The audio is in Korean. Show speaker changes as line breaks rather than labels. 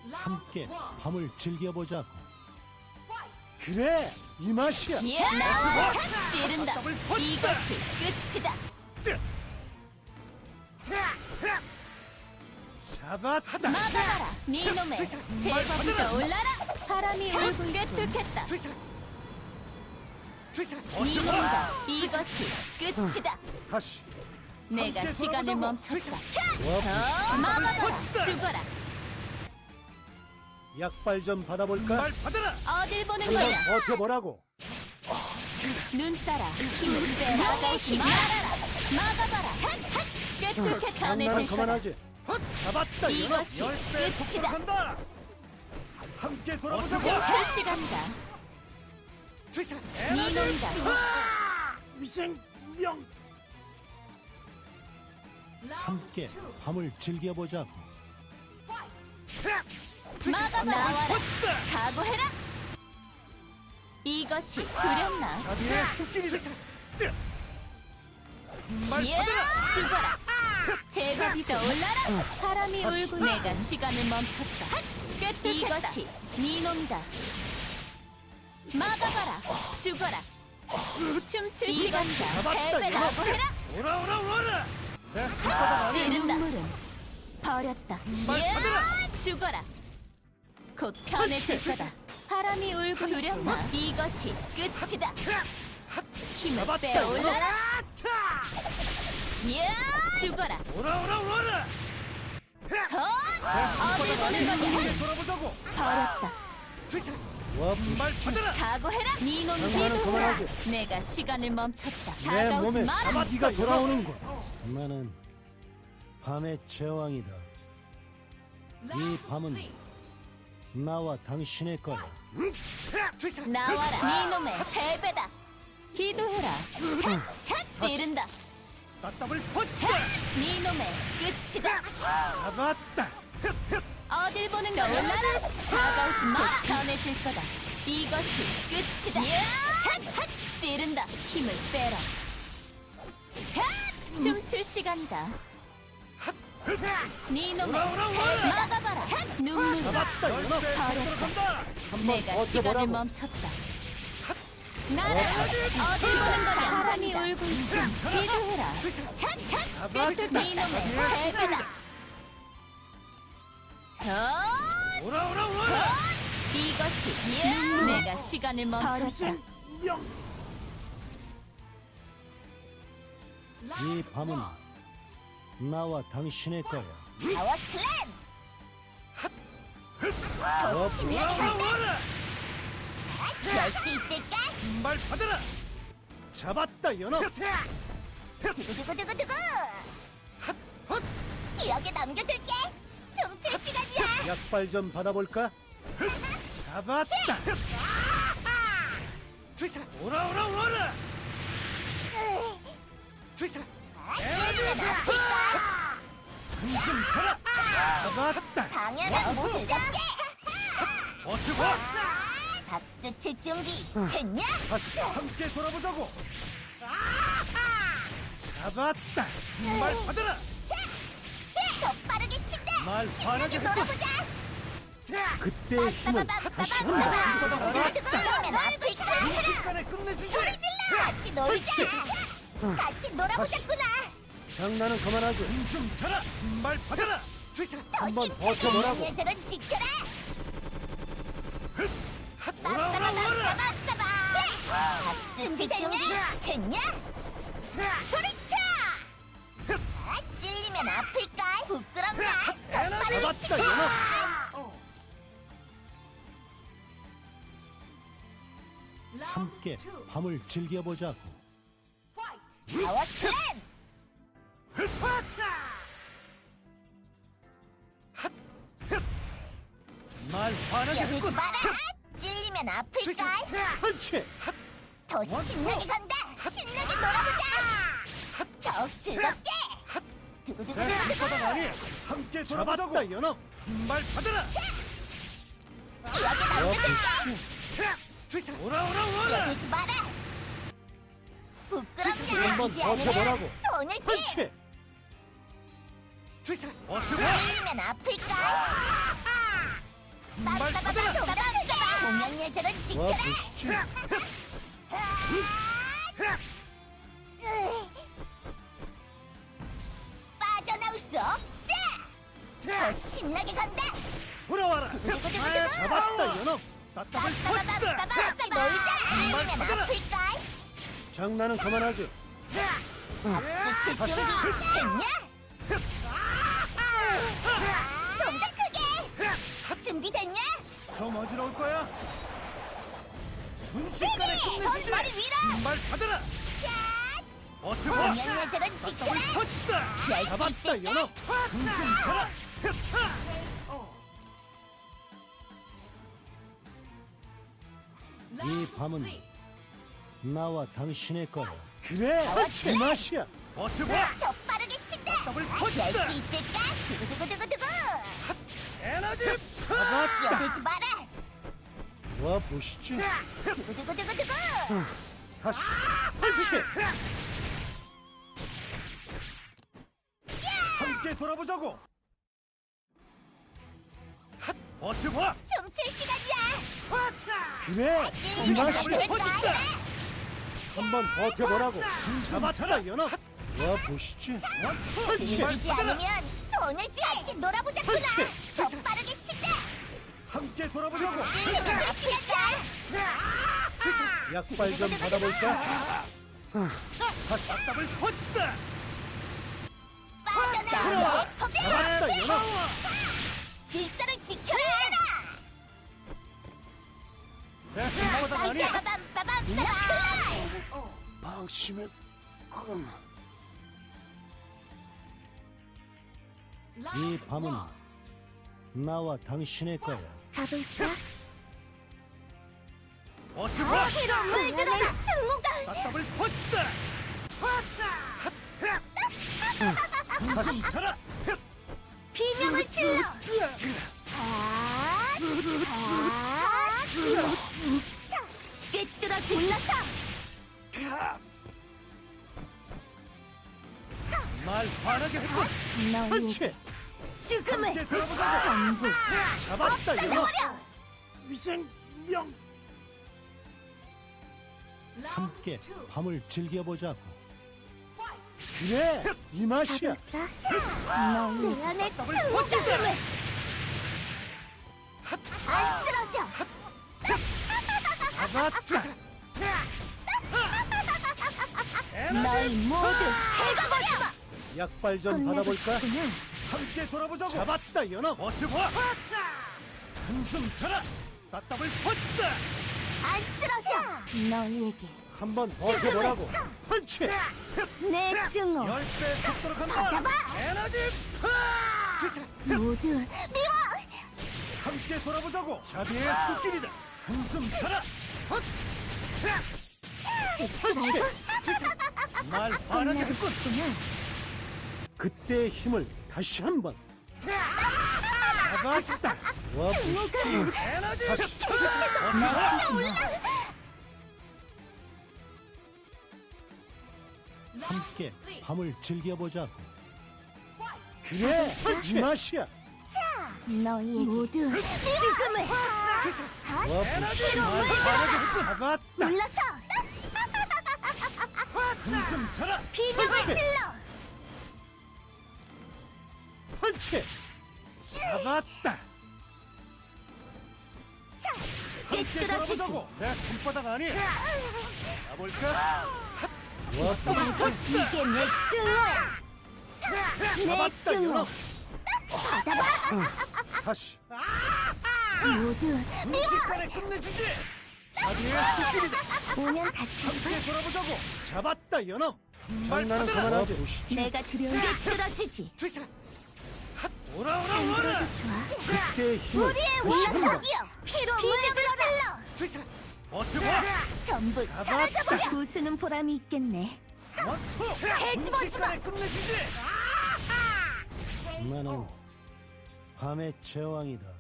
함께 밤을 즐겨보자고.
그래, 이 맛이야.
나와 착 찌른다. 이것이 끝이다.
잡았다.
막아라. 니놈의 제법이 떠올라라. 바람이 울고 꿰뚫겠다. 니놈과 이것이 끝이다.
다시.
내가
함께
시간을
돌아보자고.
멈췄다.
와,
막아라. 죽어라.
약발 좀 받아볼까?
말 받아라.
어딜 보는
한번
거야.
버텨보라고.
눈 따라 힘을 빼. 나가지 말아라. 막아봐라. 착! 꿰뚫게
장난은
강해질 거다.
그만하지. 잡았다, 이놈.
이것이 끝이다.
간다. 함께 돌아보자고.
춤출 시간이다. 니놈이다.
위생명.
함께 밤을 즐겨보자고.
막아봐라. 나와라. 각오해라. 이것이 두렵나?
자비의 손길이다. 말
야!
받아라.
죽어라. 제법이 떠올라라. 바람이 울고 내가 시간을 멈췄다. 이것이 니놈이다. 막아봐라. 죽어라. 춤출 시간이다. 패배 각오해라.
오라. 내 손바닥 안에
찌른다. 눈물은 버렸다. 야! 죽어라. 곧 편해질 거다. 바람이 울고 두렵나? 이것이 끝이다. 힘을 빼올라라. 야! 죽어라.
오라.
어딜 보는 거냐?
함께 돌아보자고.
버렸다.
말 받아라.
각오해라. 니놈
장난은 그만하지.
비도자. 내가 시간을 멈췄다.
내
다가오지
몸에
마라.
사마귀가 돌아오는군.
나는 밤의 제왕이다. 이 밤은 나와 당신의 거야.
나와라. 니놈의 패배다. 기도해라. 착 찌른다.
따따블 펀치.
니놈의 끝이다.
잡았다.
어딜 보는 거야? 올라라. 다가오지 마라. 편해질 거다. 이것이 끝이다. 착 찌른다. 힘을 빼라. 춤출 시간이다. 니놈의 패배 막아봐라. 눈물이
잡았다, 이놈.
버렸다.
한번
내가 시간을
버텨보라고.
멈췄다. 나라 어딜 보는 거냐? 바람이 울고 있지. 기도해라. 착
잡았다.
니놈의 패배다.
오라.
이것이 내가 시간을 멈췄다.
명.
이 밤은 나와 당신의 거야.
파워 슬램! 더 신나게 간다! 열 수 있을까?
말 받아라.
잡았다, 이놈.
두구두구두구두구! 기억에 남겨줄게! 춤출 시간이야!
약발 좀 받아볼까? 잡았다.
오라.
찌르면 아플까?
한숨 쳐라.
잡았다.
당연한 모습답게!
버텨봐.
박수 칠 준비 됐냐?
다시
함께 돌아보자고.
잡았다.
말 받아라.
더 빠르게 친다!
말
신나게
화나게
놀아보자!
그때의 힘을 다시 한번.
찌르면 아플까?
순간에 끝내주지.
소리 질러! 같이 놀자! 같이 놀아보자꾸나!
장난은 그만하지.
한숨 쳐라. 말 받아라.
더
한번
힘차게
버텨보라고.
예절은 지켜라!
오라.
준비 됐냐? 소리쳐! 찔리면 아플까? 부끄럽냐? 더 빠르게
잡았다,
치고!
이놈.
함께 밤을 즐겨보자고.
파워 슬램!
말 화나게
여기지
했군.
마라! 찔리면 아플까?
펀치.
더 신나게 간다! 신나게 놀아보자! 더욱 즐겁게! 두구두구두구두구!
함께
잡았다,
돌아보자고.
이놈.
말 받아라.
기억에 남겨줄게!
오라.
여기지 마라! 부끄럽냐?
한번
이지 않으면
버텨보라고.
손을 치!
펀치.
버텨봐.
찔리면 아플까?
받아라.
공연 예절은
와
지켜라.
보시지.
빠져나올 수 없어. 더 신나게 간다.
돌아와라.
두구두구두구.
잡았다 연어. 따따블 펀치다.
같이 놀자. 아니면 아플까?
장난은 그만하죠.
박수 칠 준비 됐냐? 좀 더 크게. 준비됐냐?
좀 어지러울 거야. 순식간에
세게!
끝내주지.
머리 위로!
말 받아라.
샷!
버텨봐.
공연 예절은 지켜라.
따따블 펀치다.
피할 수
잡았다
있을까?
연어. 웃음 쳐라.
이 밤은 나와 당신의 거야.
그래,
나왔지?
이 맛이야.
버텨봐.
더 빠르게 친다.
더블
피할
펀치다.
수 있을까? 두구두구두구두구.
에너지.
끼어들지 마라.
와 보시지.
두구두구두구두구.
다시.
펀치.
함께 돌아보자고. 핫. 버텨봐.
춤출 시간이야.
그래, 이
찌르면
맛이야.
안 될까?
한번 버텨보라고.
잡았다 연어.
와 보시지.
지지 않으면 손해지. 같이 놀아보자꾸나. 더 빠르게 친다.
함께 돌아보자고.
찌르줄 시간이야.
약발 좀 받아볼까?
따따블 펀치다.
빠져나오게 포기.
잡았다 연어.
질서를 지켜라.
내 손바닥 아니.
빠밤빠밤.
방심의 꿈. 이 밤은 나와 당신의 거야.
가볼까?
버텨봐.
피로 물들어라. 승우가.
따따블 펀치다. 웃음 쳐라.
비명을 질러. 자, 꿰뚫어지. 올라서.
말 화나게 했군.
너의
펀치.
죽음을
함께 돌아보자고.
전부
잡았다 연어.
없애버려.
위생명.
함께 밤을 즐겨보자고.
그래, 이 맛이야.
너의 안에 죽음을 안 쓰러져.
잡았다.
너희 모두 죽어버려.
약발 좀 받아볼까?
함께 돌아보자고.
잡았다, 연어.
버텨봐. 한숨 쳐라. 따따블 펀치다.
안 쓰러져. 너희에게
한번 버텨보라고.
펀치.
내 증오
10배 속도로 간다.
받아봐.
에너지
모두 미워.
함께 돌아보자고. 자비의 손길이다. 한숨 쳐라.
죽지 말고
말 화나게 했군.
그때의 힘을 다시 한번.
잡았다.
와 보시지.
에너지
날뛰지 마.
함께 밤을 즐겨보자고.
그래, 이 맛이야.
너희에게 모두 죽음을
와 보시지.
말 화나게 했군. 잡았다.
눌러서
한숨 쳐라.
비명을 질러.
펀치. 잡았다.
함께
꿰뚫어지지.
돌아보자고. 내 손바닥 아니. 가볼까?
와 보시지.
이게 내 증오야. 내
잡았다,
증오
연어.
받아봐.
다시.
모두 미워.
순식간에 끝내주지. 자비의 손길이다.
오면 다치.
함께 돌아보자고.
잡았다, 연어.
장난은
받아라.
그만하고. 와 보시지.
내가 두려운 꿰뚫어지지.
오라.
그래도 좋아.
그때의 힘을
우리의
다시 한번.
올라서기여. 피로 물들어라.
버텨봐.
전부 사라져버려. 부수는 보람이 있겠네.
원투.
해집어지 마.
순식간에 끝내주지.
나는 밤의 제왕이다.